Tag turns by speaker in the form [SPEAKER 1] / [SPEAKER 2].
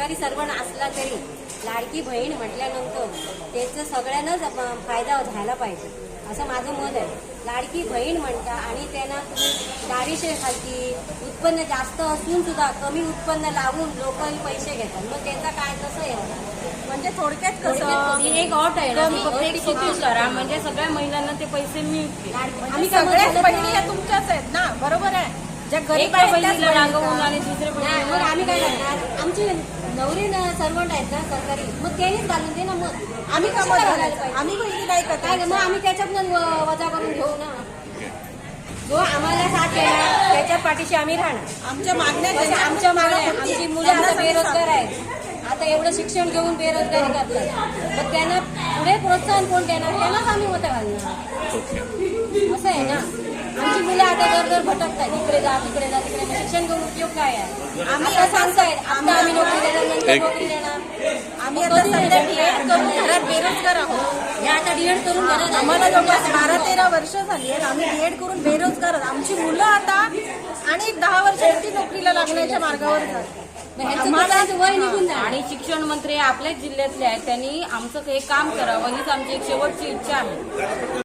[SPEAKER 1] सरकारी सर्वंट असला तरी लाडकी बहीण म्हटल्यानंतर त्याचं सगळ्यांनाच फायदा झाला पाहिजे असं माझं मत आहे. लाडकी बहीण म्हणता आणि त्यांना तुम्ही दारिशेखालची उत्पन्न जास्त असून सुद्धा कमी उत्पन्न लावून लोक पैसे घेतात, मग त्याचा काय कसं आहे?
[SPEAKER 2] म्हणजे थोडक्यात कसं
[SPEAKER 1] ही एक अट आहे ना,
[SPEAKER 3] करा म्हणजे सगळ्या महिलांना ते पैसे मिळतील.
[SPEAKER 2] आम्ही सगळ्याच बहिणी या तुमच्याच आहेत ना, बरोबर आहे. ज्या गरीब आहेत त्याच
[SPEAKER 3] बहिणीला
[SPEAKER 2] बहिणी
[SPEAKER 3] रांगवून आणि दुसऱ्या
[SPEAKER 1] नाही, मग आम्ही काय करणार? आमची नवरी सर्वंट आहेत ना सरकारी, मग त्यांनीच घालून दे ना. मग
[SPEAKER 2] आम्ही
[SPEAKER 1] कशी
[SPEAKER 2] कामं
[SPEAKER 1] घालायला
[SPEAKER 2] घालायला
[SPEAKER 1] पाहिजे?
[SPEAKER 2] आम्ही बहिणी नाही
[SPEAKER 1] काय
[SPEAKER 2] करत.
[SPEAKER 1] मग आम्ही त्याच्यातून वजा करून घेऊ ना. जो आम्हाला साथ देणार त्याच्या पाठीशी आम्ही राहणार.
[SPEAKER 2] आमच्या मागण्या
[SPEAKER 1] पण आमच्या मागे आमची मुलं आता बेरोजगार आहेत, आता एवढं शिक्षण घेऊन बेरोजगारी करतात, मग त्यांना पुढे प्रोत्साहन कोण देणार? त्यांनाच आम्ही मतं घालणार. असं आहे ना. आमची मुलं आता दर भटकतात, इकडे जा तिकडे जा तिकडे. मग शिक्षण घेऊन उपयोग काय आहे?
[SPEAKER 2] आम्ही
[SPEAKER 1] आता सांगतायत आम्ही नोकरी देणार, नंतर नोकरी देणार.
[SPEAKER 2] आम्ही आता सध्या डीएड करून घरात बेरोजगार आहोत.
[SPEAKER 1] हे आता डीएड करून घरात
[SPEAKER 2] आम्हाला जवळपास 12-13 वर्ष झाली आहेत. आम्ही डीएड करून बेरोजगार आहोत. आमची मुलं आता आणि 10 वर्षांची नोकरीला लागण्याच्या मार्गावर जातात.
[SPEAKER 1] आम्हाला वय निघून जाणार.
[SPEAKER 3] आणि शिक्षण मंत्री आपल्याच जिल्ह्यातले आहेत, त्यांनी आमचं हे काम करावं हीच आमची एक शेवटची इच्छा आहे.